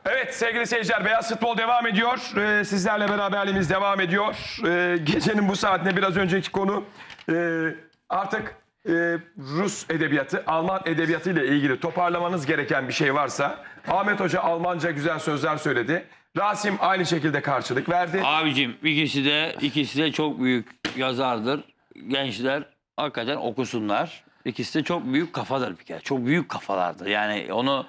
Evet sevgili seyirciler, Beyaz Futbol devam ediyor. Sizlerle beraberliğimiz devam ediyor. Gecenin bu saatinde biraz önceki konu artık Rus edebiyatı, Alman edebiyatı ile ilgili toparlamanız gereken bir şey varsa Ahmet Hoca Almanca güzel sözler söyledi. Rasim aynı şekilde karşılık verdi. Abicim ikisi de çok büyük yazardır. Gençler hakikaten okusunlar. İkisi de çok büyük kafadır bir kere. Çok büyük kafalardır. Yani onu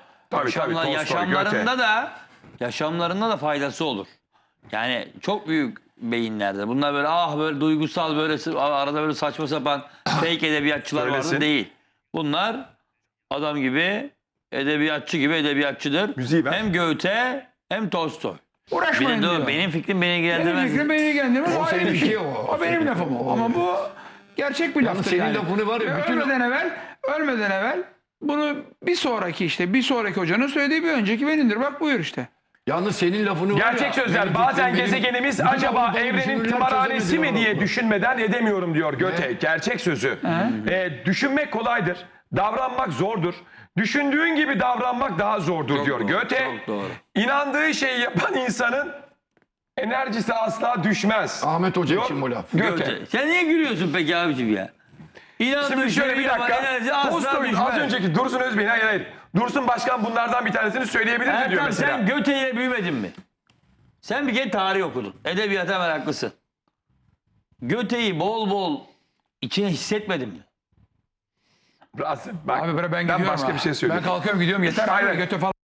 yaşamlarında da faydası olur. Yani çok büyük beyinlerdir. Bunlar böyle böyle duygusal böyle arada böyle saçma sapan fake edebiyatçılar vardı değil. Bunlar adam gibi edebiyatçı gibi edebiyatçıdır. Müziği ver. Hem Goethe hem Tolstoy. Uğraşmayın diyor. Benim fikrim beni ilgilendirmez. Benim fikrim beni ilgilendirmez. O senin fikrin o. O benim lafım o. Ama bu gerçek bir laftır senin yani. lafını var ya, bütün- Ölmeden evvel bunu bir sonraki hocanın söylediği bir önceki benimdir. Bak buyur işte. Yalnız senin lafını var Gerçek ya, sözler. benim Bazen fikrim, gezegenimiz bütün acaba Avrupa'nın evrenin düşünürler tımarhanesi çözemedi mi diye diyorlar. düşünmeden edemiyorum diyor Goethe. Gerçek sözü. Düşünmek kolaydır. Davranmak zordur. Düşündüğün gibi davranmak daha zordur diyor doğru, Goethe. çok doğru. İnandığı şeyi yapan insanın enerjisi asla düşmez. Ahmet Hoca Diyor için bu laf. Goethe. Sen niye gülüyorsun peki abicim ya? Şimdi şöyle bir dakika. Tolstoy'un az önceki Dursun Özbey'in hayır. Dursun Başkan bunlardan bir tanesini söyleyebilir mi diyor Ertan mesela. sen Goethe'yle büyümedin mi? Sen bir kere tarih okudun. Edebiyata meraklısın. Goethe'yi bol bol içine hissetmedin mi? Rasim, bak, Abi ben gidiyorum. başka ha. bir şey söyleyeyim. Ben kalkıyorum gidiyorum yeter. Hayır. Abi, götü falan.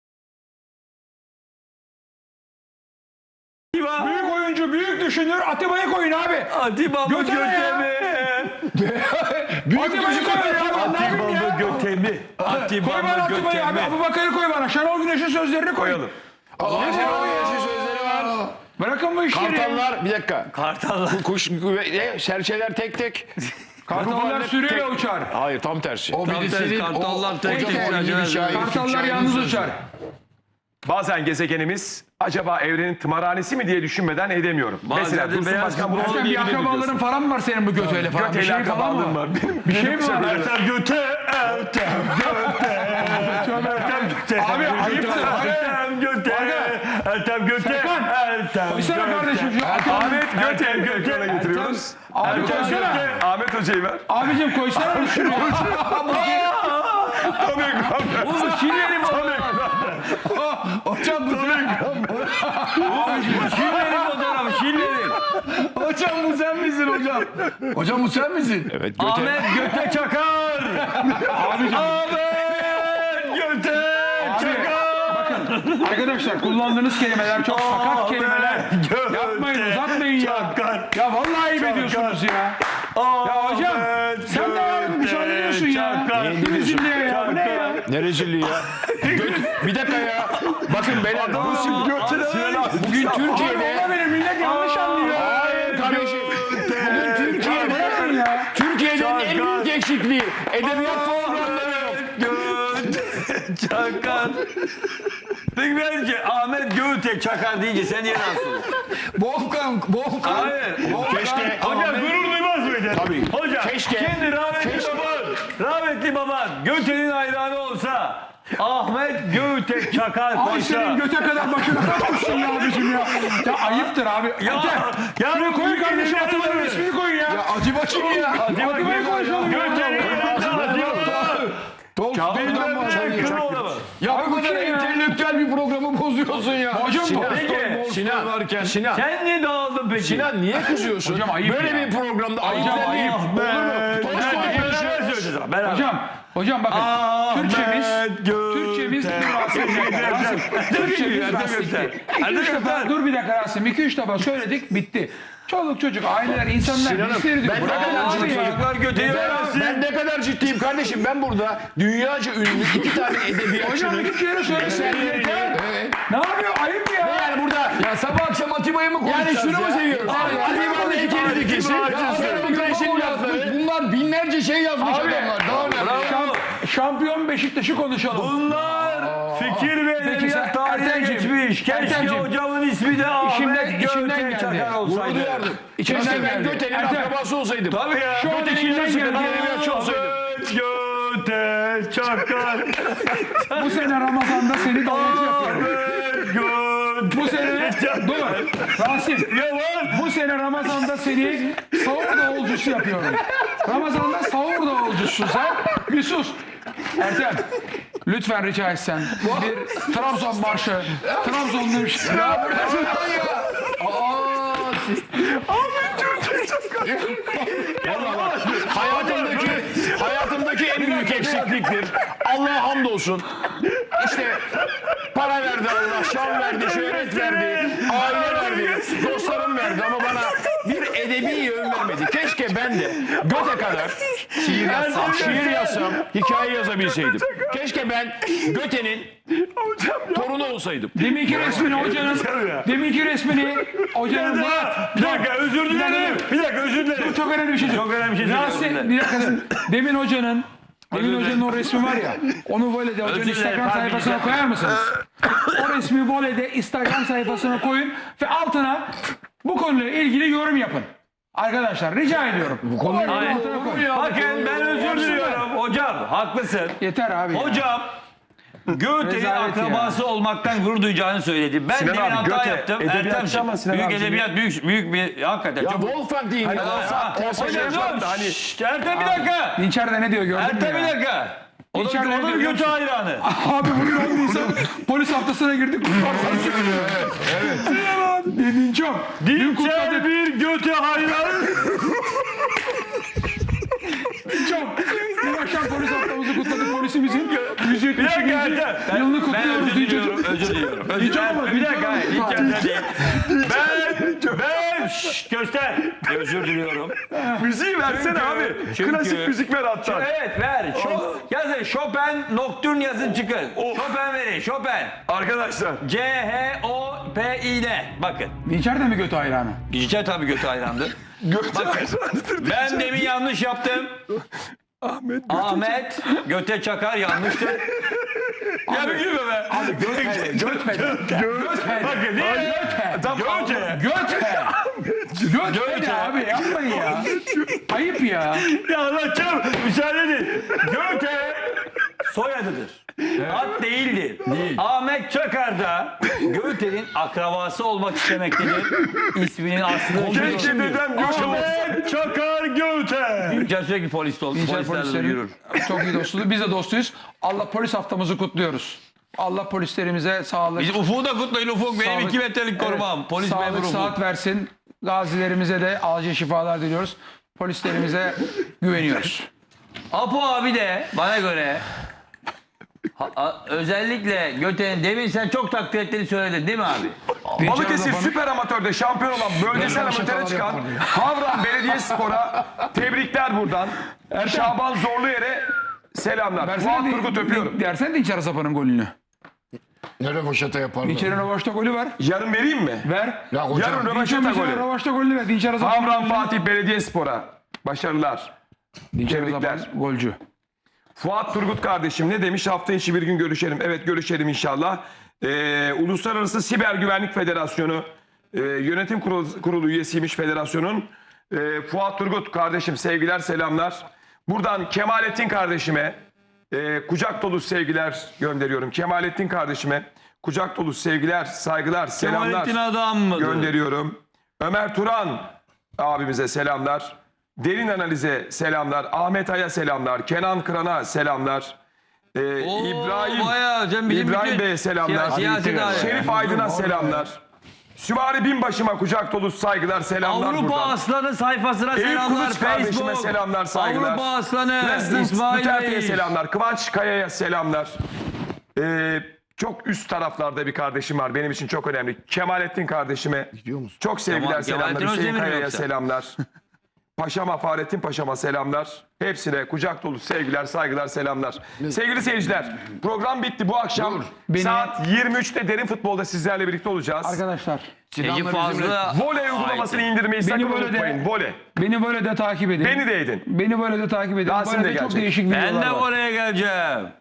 Büyük oyuncu, büyük düşünür. Atiba'yı koyun abi. Atiba mı Göte ne ya? mi? Atiba'yı koyun ya. Ben ne yapayım ya? Göte mi? Atiba Koy bana Atiba'yı abi. Abubakar'ı koy bana. Şenol Güneş'in sözlerini koy. Koyalım. Allah Şenol Güneş'in sözleri var. Bırakın bu işleri. Kartallar bir dakika. Kartallar. Kuş serçeler tek tek. Kartallar sürüyle uçar. Hayır tam tersi. O Tam tersi, birisinin kartallar tek tek hocam o serçeler bir şair. Kartallar yalnız uçar. Bazen gezegenimiz acaba evrenin tımarhanesi mi diye düşünmeden edemiyorum. Mesela de Dursun beyaz Başkan bunu Ertem bir söyleyebilir mi akrabaların diyorsun? falan var senin bu Göte'yle falan. Bir Göte'yle şey falan akrabalığım mı? var. Bir şey mi var? Ertem Göte. Abi ayıptır. Ertem Göte. Ertem Göte. Ertem Koysana kardeşim şu. Ahmet Göte ekrana getiriyoruz. Abi koysana. Ahmet Hoca'yı ver. Abicim koysana şunu. Tam ekranda. Oğlum şillerim Hocam bu Şillerim fotoğrafı şillerim. Hocam bu sen misin hocam? Hocam bu sen misin? Evet Göte. Ahmet Göte Çakar. Abicim. Ahmet Göte Çakar. Bakın arkadaşlar kullandığınız kelimeler çok sakat kelimeler. Yapmayın uzatmayın ya. Ya vallahi ayıp ediyorsunuz ya. Ya hocam sen de var bir şey anlıyorsun ya. Ne rezilliğe ya bu ne ya? Ne rezilliği ya. Bir dakika ya. Bakın beyler. Bugün Türkiye'de. Valla benim millet yanlış anlıyor. Hayır kardeşim. Bugün Türkiye'de. Bırakın ya. Türkiye'nin en büyük eksikliği. Edebiyat programları yok. Çakar. Peki bence Ahmet Göte Çakar deyince sen niye rahatsız oluyorsun? Volkan. Hayır. Keşke. Hocam gurur duymaz mıydın? Tabii. Hocam Keşke. şimdi rahmetli baban Göte'nin hayranı olsa Ahmet Göte Çakar Ay koysa. senin göte kadar başına kalkmışsın ya abicim ya. Ya ayıptır abi. Ya Şuraya koyun kardeşim bu Atiba'nın bilgileri- ismini koyun ya. Acaba kim ya? Atiba'yı konuşalım ya. Göte'nin Tolstoy'dan bahsediyor. Ya bu kadar şey ya. entelektüel bir programı bozuyorsun ya. Hocam bu. Sinan. Sen niye dağıldın peki? Sinan niye kızıyorsun? Hocam ayıp Böyle ya. bir programda ayıp Hocam değil. ayıp. Olur mu? Tolstoy konuşuyor. Hocam bakın Türkçemiz Türkçemiz rastikti. 2-3 defa dur bir dakika Rasim 2-3 defa söyledik bitti. Çoluk çocuk aileler insanlar Sinan'ım, bizleri ben bırakın ne kadar abi ya. Çocuklar Göte'yi Ben ne kadar ciddiyim kardeşim. Ben burada dünyaca ünlü iki tane Hocam edebiyatçının 2 kere söylesin yeter. Evet. Ne yapıyor ayıp ya. Yani burada Ya sabah akşam Atiba'yı mı konuşacağız yani şunu mu seviyoruz? Atiba'nın heykelin dikisi. Güneş'in lafları. Bunlar binlerce şey yazmış adamlar. Daha ne? Şampiyon Beşiktaş'ı konuşalım. Bunlar fikir ve Peki sen- edebiyat tarihine Ertemciğim, geçmiş. Keşke Ertemciğim. hocamın ismi de Ahmet İçimden Göte geldi. Çakar olsaydı. İçimden Keşke ben geldi. Göte'nin Ertem, akrabası olsaydım. Tabii ya. Şu an Göte'nin içimden nasıl bir geldi. edebiyatçı olsaydım. Göte Çakar. Bu sene Ramazan'da seni davet yapıyorum. Ahmet Rasim. Bu sene Ramazan'da seni sahur davulcusu yapıyorum. Ramazan'da sahur davulcusun sen. Bir sus. Ertem. Lütfen rica etsen. Bir Trabzon marşı. Trabzon'da bir şey. Ya burası ya. Hayatımdaki en büyük eksikliktir. Allah'a hamdolsun. İşte para verdi Allah, şan verdi, şöhret verdi, aile verdi, dostlarım verdi ama bana bir edebi yön vermedi. Keşke ben de göte kadar şiir yazsam, hikaye yazabilseydim. Keşke ben Göte'nin torunu olsaydım. Deminki resmini hocanın Bir dakika özür dilerim. Bir dakika özür dilerim. çok önemli bir şey. Çok önemli bir şey Rasim, söylüyorum. bir dakika. Demin hocanın o resmi var ya, onu Vole'de hocanın Özür dilerim, Instagram pardon, sayfasına rica koyar mısınız? O resmi Vole'de Instagram sayfasına koyun ve altına bu konuyla ilgili yorum yapın. Arkadaşlar rica ediyorum. Bu konuyla Hayır. altına koyun. Bakın ben özür diliyorum. Hocam haklısın. Yeter abi. ya. Hocam Goethe'nin Rezalet akrabası olmaktan gurur duyacağını söyledi. Ben Sinan demin abi, hata Goethe yaptım. edebiyatçı Ertem'ciğim, ama Sinan büyük abi edebiyat, büyük bir hakikaten. Ya çok... Wolfgang diyeyim ya. Hocam dur. Şşşt, Ertem bir dakika. Dinçer de ne diyor gördün mü Ertem bir ya? dakika. O da, İçeride o da ne bir diyor? Goethe hayranı. Abi bugün 10 Nisan polis haftasına girdik. Dedin çok. Dün kutladık. Bir Göte hayranı. Çok. Dün akşam polis haftamızı kutladık. Polisimizin 170. Bir dakika Ertem. yılını Ben kutluyoruz özür Dinçer. diliyorum. Özür diliyorum. Özür Dinçer ama Bir dakika. hayır, Dinçer İlk yerden değil. Ben şşş, göster. Özür diliyorum. Müziği versene abi. Klasik müzik ver hatta. Evet ver. Yazın Chopin Nocturne yazın çıkın. Chopin verin. Chopin. Arkadaşlar. C-H-O-P-I-N. Bakın. Dinçer de mi götü hayranı? Yüce tabii Goethe hayrandı. Ben demin yanlış yaptım. Ahmet Göte Çakar yanlıştı. Ya bir gülme be. Bakın niye? Göte. Göte abi yapmayın ya. Ayıp ya. Ya anlatacağım. Müsaade edin. Göte soyadıdır. Ad değildir. Ahmet Çakar da Goethe'nin akrabası olmak istemektedir. İsminin aslı. Keşke dedem Göte olsa. Ahmet Çakar Göte. Dinçer sürekli poliste oldu. Dinçer Polislerle polislerin yürür. çok iyi dostluğu. Biz de dostuyuz. Allah polis haftamızı kutluyoruz. Allah polislerimize sağlık. Biz Ufuk'u da kutlayın. Ufuk benim Sağlık. 2 metrelik korumam. Evet, Polis memuru sağlık Ufuk. saat versin. Gazilerimize de acil şifalar diliyoruz. Polislerimize güveniyoruz. Apo abi de bana göre özellikle Göte'nin demin sen çok takdir ettiğini söyledin değil mi abi? Balıkesir Süper Amatör'de şampiyon olan bölgesel amatöre çıkan Havran Belediyespor'a tebrikler buradan. Şaban Zorluyer'e selamlar. Fuat Turgut öpüyorum. Dersen Dinçer Zapa'nın golünü. Ne rövaşata yaparlar. Dinçer'in rövaşta golü var. Yarın vereyim mi? Ver. Ya hocam. Yarın Dinçer rövaşata mesela golü. rövaşta golünü ver. Dinçer Zapa'nın Havran Fatih Belediyespor'a başarılar. Dinçer tebrikler. Zapa golcü. Fuat Turgut kardeşim ne demiş? Hafta içi bir gün görüşelim. Evet görüşelim inşallah. Uluslararası Siber Güvenlik Federasyonu yönetim kurulu üyesiymiş federasyonun. Fuat Turgut kardeşim sevgiler selamlar. Buradan Kemalettin kardeşime kucak dolu sevgiler gönderiyorum. Kemalettin kardeşime kucak dolu sevgiler, saygılar, selamlar Kemalettin adam mıdır? gönderiyorum. Ömer Turan abimize selamlar. Derin Analiz'e selamlar. Ahmet Ay'a selamlar. Kenan Kıran'a selamlar. bayağı, sen bizim İbrahim bütün Bey'e selamlar. siyasi daire. Şerif Aydın'a selamlar. Süvari Binbaşı'ma kucak dolu saygılar, selamlar Avrupa buradan. Aslanı sayfasına Eyüp selamlar. Kılıç kardeşime Facebook. selamlar, saygılar. Avrupa Aslanı President İsmail Duterte'ye Bey. selamlar. Kıvanç Kaya'ya selamlar. Çok üst taraflarda bir kardeşim var. Benim için çok önemli. Kemalettin kardeşime çok sevgiler, selamlar. Kemalettin Hüseyin Özdemir mi Kaya'ya yoksa? selamlar. Paşama, Fahrettin Paşama selamlar. Hepsine kucak dolu sevgiler, saygılar, selamlar. Sevgili seyirciler, program bitti. Bu akşam saat 23'te Derin Futbol'da sizlerle birlikte olacağız. Arkadaşlar. Ece Fazlı. Voley uygulamasını indirmeyi sakın böyle de- unutmayın. Voley. Beni böyle de takip edin. Beni de edin. Beni böyle de takip edin. Rasim de Böyle de çok gelecek. değişik videolar Ben de var. oraya geleceğim.